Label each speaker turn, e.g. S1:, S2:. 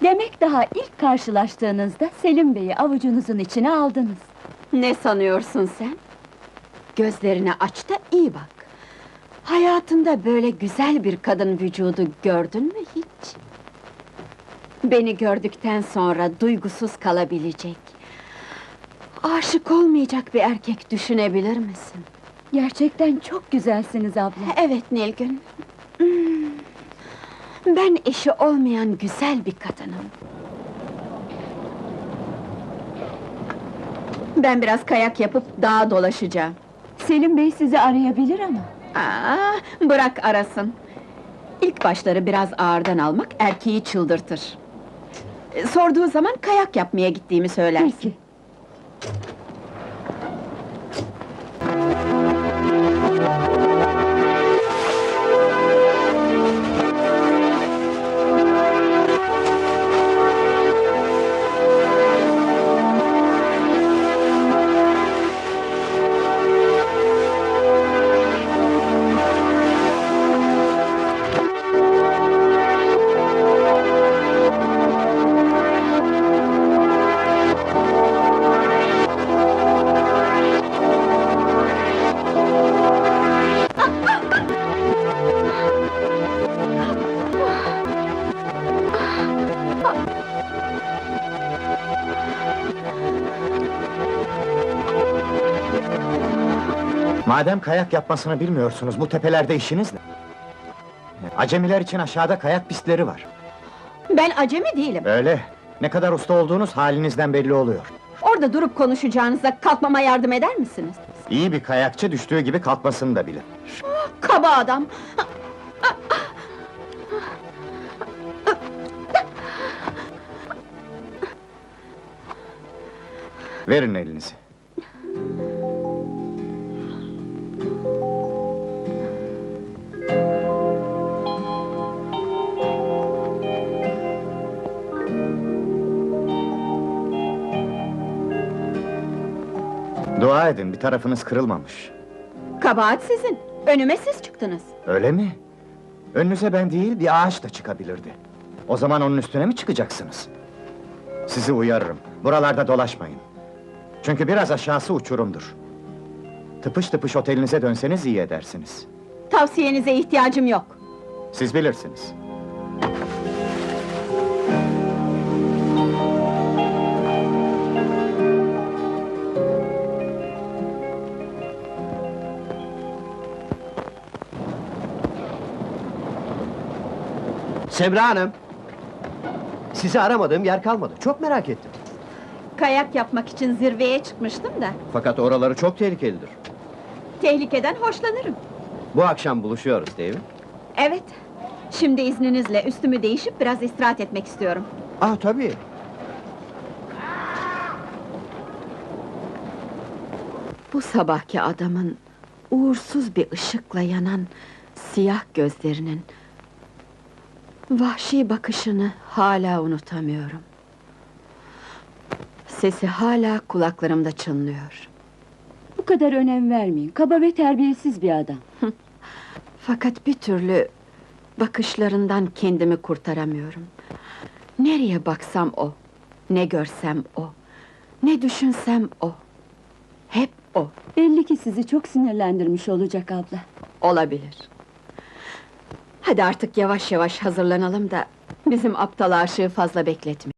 S1: Demek daha ilk karşılaştığınızda Selim Bey'i avucunuzun içine aldınız.
S2: Ne sanıyorsun sen? Gözlerini aç da iyi bak. Hayatında böyle güzel bir kadın vücudu gördün mü hiç? Beni gördükten sonra duygusuz kalabilecek, aşık olmayacak bir erkek düşünebilir misin?
S1: Gerçekten çok güzelsiniz abla.
S2: Evet Nilgün. Ben eşi olmayan güzel bir kadınım. Ben biraz kayak yapıp dağa dolaşacağım.
S1: Selim Bey sizi arayabilir ama.
S2: Bırak arasın. İlk başları biraz ağırdan almak erkeği çıldırtır. Sorduğu zaman kayak yapmaya gittiğimi söylersin.
S1: Peki.
S3: Madem kayak yapmasını bilmiyorsunuz, bu tepelerde işiniz ne? Acemiler için aşağıda kayak pistleri var.
S2: Ben acemi değilim.
S3: Öyle, ne kadar usta olduğunuz halinizden belli oluyor.
S2: Orada durup konuşacağınıza kalkmama yardım eder misiniz?
S3: İyi bir kayakçı düştüğü gibi kalkmasını da bilir.
S2: Kaba adam!
S3: Verin elinizi. Dua edin, bir tarafınız kırılmamış.
S2: Kabahat sizin, önüme siz çıktınız.
S3: Öyle mi? Önünüze ben değil, bir ağaç da çıkabilirdi. O zaman onun üstüne mi çıkacaksınız? Sizi uyarırım, buralarda dolaşmayın. Çünkü biraz aşağısı uçurumdur. Tıpış tıpış otelinize dönseniz iyi edersiniz.
S2: Tavsiyenize ihtiyacım yok.
S3: Siz bilirsiniz.
S4: Semra Hanım! Sizi aramadığım yer kalmadı, çok merak ettim.
S2: Kayak yapmak için zirveye çıkmıştım da,
S4: Fakat oraları çok tehlikelidir.
S2: tehlikeden hoşlanırım.
S4: Bu akşam buluşuyoruz değil mi?
S2: Evet, şimdi izninizle üstümü değişip biraz istirahat etmek istiyorum.
S4: Ah tabii!
S2: Bu sabahki adamın, uğursuz bir ışıkla yanan siyah gözlerinin, vahşi bakışını hala unutamıyorum. Sesi hala kulaklarımda çınlıyor.
S1: Bu kadar önem vermeyin, kaba ve terbiyesiz bir adam.
S2: Fakat bir türlü bakışlarından kendimi kurtaramıyorum. Nereye baksam o, ne görsem o, ne düşünsem o. Hep o.
S1: Belli ki sizi çok sinirlendirmiş olacak abla.
S2: Olabilir. Hadi artık yavaş yavaş hazırlanalım da bizim aptal aşığı fazla bekletmeyelim.